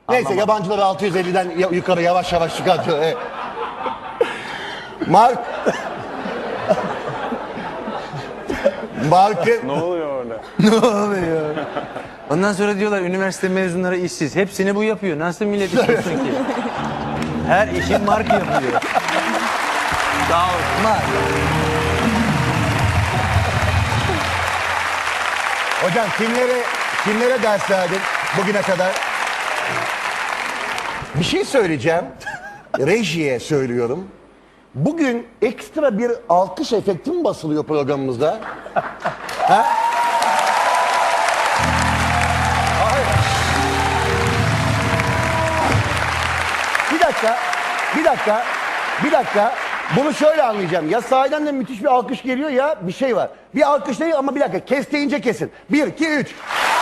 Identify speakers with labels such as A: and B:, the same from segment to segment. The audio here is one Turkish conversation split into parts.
A: Neyse yabancıları 650'den yukarı yavaş yavaş çıkartıyor. Evet. Mark... Mark'ın...
B: Ne oluyor orada?
C: Ne oluyor? Ondan sonra diyorlar üniversite mezunları işsiz. Hepsini bu yapıyor. Nasıl millet iş bulsun ki? Her işi Mark yapıyor.
B: Sağ ol.
C: Mark.
A: Hocam kimlere ders verdin bugüne kadar? Bir şey söyleyeceğim. Rejiye söylüyorum. Bugün ekstra bir alkış efekti mi basılıyor programımızda? Ha? Hayır. Bir dakika. Bunu şöyle anlayacağım. Ya sahiden de müthiş bir alkış geliyor ya bir şey var. Bir alkış değil ama bir dakika. Kes deyince kesin. 1, 2, 3.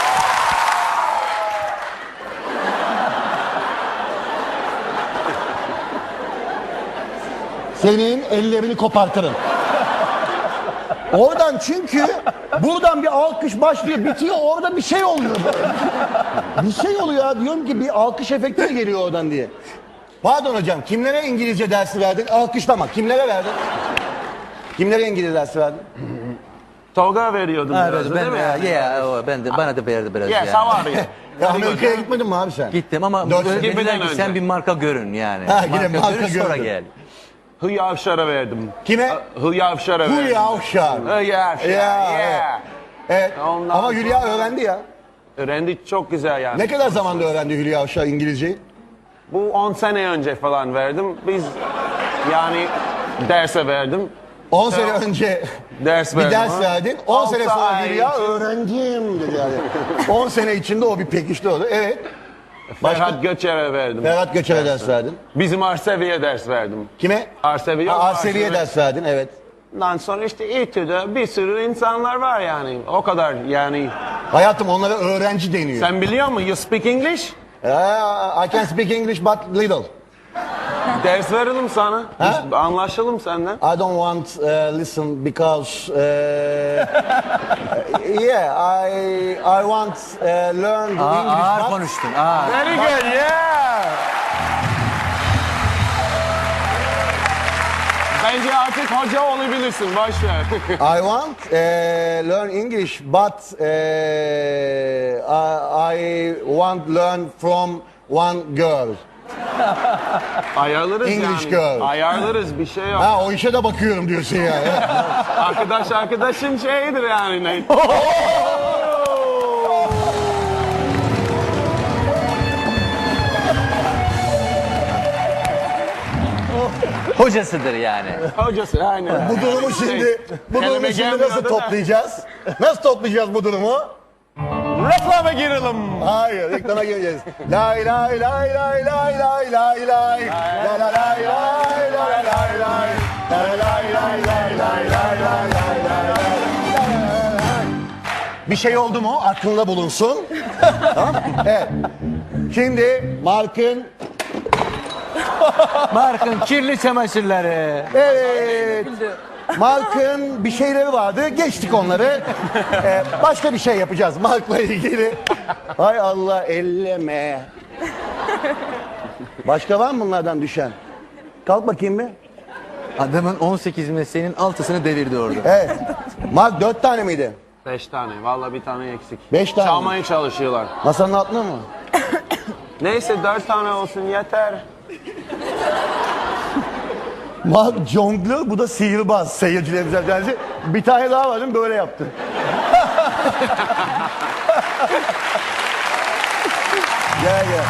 A: Senin ellerini kopartırım. Oradan çünkü buradan bir alkış başlıyor, bitiyor, orada bir şey oluyor. Bir şey oluyor ya, diyorum ki bir alkış efekti mi geliyor oradan diye. Pardon hocam, kimlere İngilizce dersi verdin? Alkışlama, kimlere verdin? Kimlere İngilizce dersi verdin?
B: Tolga veriyordum biraz
C: Evet,
B: da,
C: ben
B: değil mi?
C: ben de bana da verdi biraz
B: Yes,
C: yani.
B: how are you?
A: Ya Amerika'ya gitmedin mi abi sen?
C: Gittim ama
A: Dört
C: böyle
A: sene
C: dediler ki
B: önce.
C: sen bir marka görün yani.
A: Ha, yine marka
C: görün sonra
A: görün.
C: gel.
B: Hülya Avşar'a verdim.
A: Kime?
B: Hülya Avşar'a verdim.
A: Hülya Avşar.
B: Hülya Avşar,
A: Ya,
B: yeah.
A: Evet.
B: Ondan
A: Ama Hülya
B: sonra-
A: öğrendi ya.
B: Öğrendi çok güzel yani.
A: Ne kadar zamanda öğrendi Hülya Avşar İngilizceyi?
B: Bu 10 sene önce falan verdim. Biz yani derse verdim.
A: 10 sene önce
B: Ders
A: bir
B: verdim.
A: ders
B: ha.
A: verdin. 10 sene
B: Altı
A: sonra
B: ay
A: Hülya
B: için
A: öğrendim dedi yani. 10 sene içinde o bir pekişti oldu. Evet.
B: Ferhat Göçer'e verdim.
A: Ferhat Göçer'e ders verdin.
B: Bizim Arsevi'ye ders verdim.
A: Kime?
B: Arsevi.
A: Arsevi'ye ders verdin, evet.
B: Ondan sonra işte İTÜ'de bir sürü insanlar var yani. O kadar yani.
A: Hayatım onlara öğrenci deniyor.
B: Sen biliyor musun? You speak English?
A: I can speak English but little.
B: Ders verelim sana.
A: Ha?
B: Biz anlaşalım senden.
A: I don't want listen because yeah I want learn the English
C: Ağır
A: but
C: konuştun. Ağır.
B: Very good, yeah. Bence artık hoca olabilirsin. Boş ver.
A: I want learn English but I want learn from one girl.
B: Ayarlarız
A: English
B: yani.
A: girl.
B: Ayarlarız bir şey yok.
A: Ha o işe de bakıyorum diyorsun yani.
B: Arkadaşın şeyidir yani. Ne?
C: Hocasıdır yani.
B: Hocası aynen.
A: Bu durumu şimdi
B: Kelime gelmiyor
A: nasıl
B: da.
A: toplayacağız? Nasıl toplayacağız bu durumu?
B: Reklama girelim.
A: Hayır, reklama gireceğiz. Lay lay lay lay lay lay lay lay. La la lay lay lay lay lay. La la lay lay lay lay lay lay lay lay. Bir şey oldu mu aklında bulunsun. Tamam? Evet. Şimdi Mark'ın
C: Mark'ın kirli çamaşırları.
A: evet. Mark'ın bir şeyleri vardı. Geçtik onları. Başka bir şey yapacağız Mark'la ilgili. Hay Allah elleme. Başka var mı bunlardan düşen? Kalk bakayım bir.
C: Adamın 18 mesleğinin 6'sını devirdi orada.
A: Evet. Mark 4 tane miydi?
B: 5 tane. Vallahi bir tane eksik.
A: 5 tane.
B: Çalmaya çalışıyorlar.
A: Masanın altında mı?
B: Neyse 4 tane olsun yeter.
A: Mark jonglör, bu da sihirbaz seyircilerimize derdi. Bir tane daha var değil mi? Böyle yaptı. Gel gel.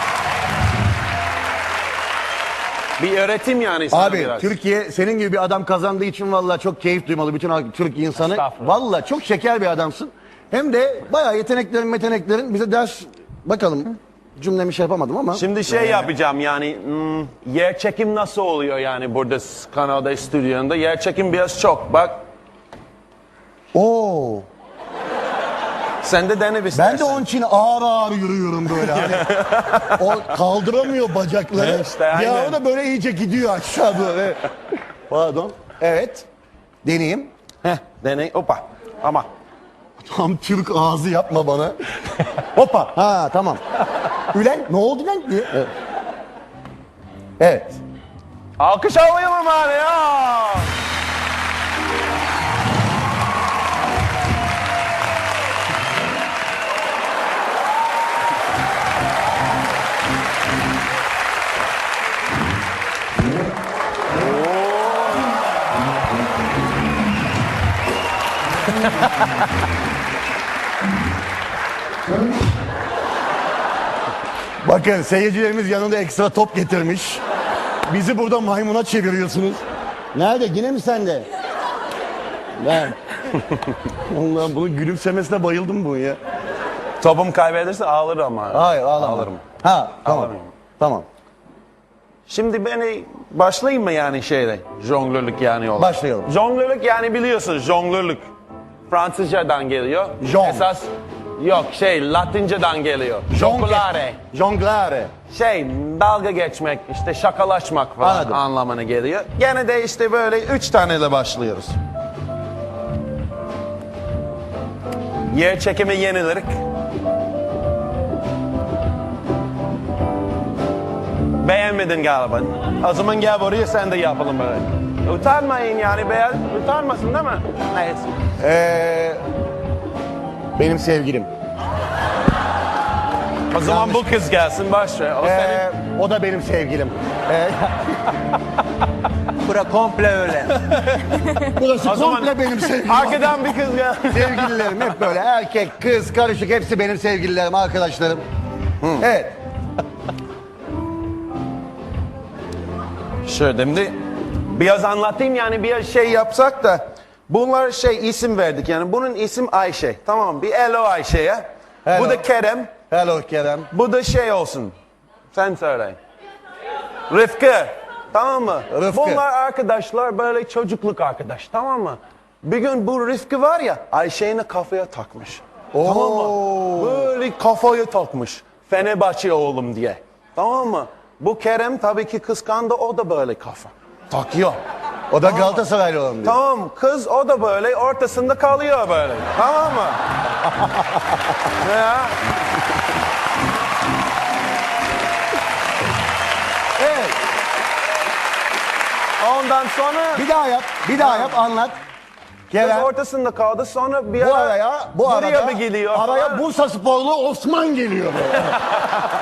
B: Bir öğretim yani sana
A: Abi
B: biraz.
A: Türkiye senin gibi bir adam kazandığı için vallahi çok keyif duymalı bütün Türk insanı.
B: Estağfurullah.
A: Vallahi çok şeker bir adamsın. Hem de bayağı yeteneklerin bize ders bakalım. Cümlemi şey yapamadım ama.
B: Şimdi şey yapacağım yani yer çekim nasıl oluyor yani burada kanalda stüdyonda yer çekim biraz çok bak
A: Oo.
B: sen de dene bir
A: Ben de onun için ağır ağır yürüyorum böyle hani. O kaldıramıyor bacakları.
B: İşte,
A: bir
B: aynen.
A: ara da böyle iyice gidiyor aşağı doğru. Evet. Pardon. Evet. Deneyeyim.
B: deney hoppa ama
A: Tam Türk ağzı yapma bana. Hoppa. Ha tamam. Ülen ne oldu lan diye. Evet. Evet.
B: Alkış alayım ama ya.
A: Bakın seyircilerimiz yanında ekstra top getirmiş. Bizi burada maymuna çeviriyorsunuz. Nerede? Yine mi sende? Ben. Allah'ım bunun gülümsemesine bayıldım bu ya.
B: Topum kaybederse ağlarım ama.
A: Hayır ağlama.
B: Ağlarım.
A: Ha tamam.
B: Ağlarım.
A: Tamam.
B: Şimdi beni başlayayım mı yani şeyde? Jonglörlük yani olarak.
A: Başlayalım.
B: Jonglörlük yani biliyorsunuz jonglörlük. Fransızcadan geliyor.
A: Jong.
B: Esas yok Latinceden geliyor. Jonglare.
A: Jonglare.
B: Dalga geçmek, işte şakalaşmak falan
A: Anladım.
B: anlamına geliyor. Gene de işte böyle 3 taneyle başlıyoruz. Yer çekimi yenilik. Beğenmedin galiba. O zaman gel buraya sen de yapalım böyle. Utanmayın yani utanmasın değil mi? Neyse.
A: Benim sevgilim.
B: O zaman bu kız gelsin başla. O senin.
A: O da benim sevgilim.
C: Bura komple öyle.
A: Burası
B: O zaman-
A: komple benim sevgilim.
B: Arkadan bir kız gel.
A: Sevgililerim hep böyle erkek, kız, karışık hepsi benim sevgililerim, arkadaşlarım. Evet.
B: Şöyle şimdi biraz anlatayım yani bir şey yapsak da bunlar isim verdik yani bunun isim Ayşe tamam mı? Bir hello Ayşe'ye.
A: Hello.
B: Bu da Kerem.
A: Hello Kerem.
B: Bu da olsun. Sen söyle. Rıfkı. Tamam mı?
A: Rıfkı.
B: Bunlar arkadaşlar böyle çocukluk arkadaş tamam mı? Bir gün bu Rıfkı var ya Ayşe'ni kafaya takmış. Tamam mı? Böyle kafaya takmış. Fenerbahçe oğlum diye. Tamam mı? Bu Kerem tabii ki kıskandı o da böyle kafa. Takıyor.
A: O da Galatasaraylı olan diyor.
B: Tamam kız o da böyle ortasında kalıyor böyle. Tamam mı? Ya.
A: Evet.
B: Ondan sonra
A: Bir daha yap, anlat.
B: kız
A: Kerem.
B: ortasında kaldı sonra bir
A: Bu
B: ara
A: araya, bu
B: buraya
A: arada
B: bir geliyor.
A: araya
B: falan.
A: Bursa sporlu Osman geliyor böyle.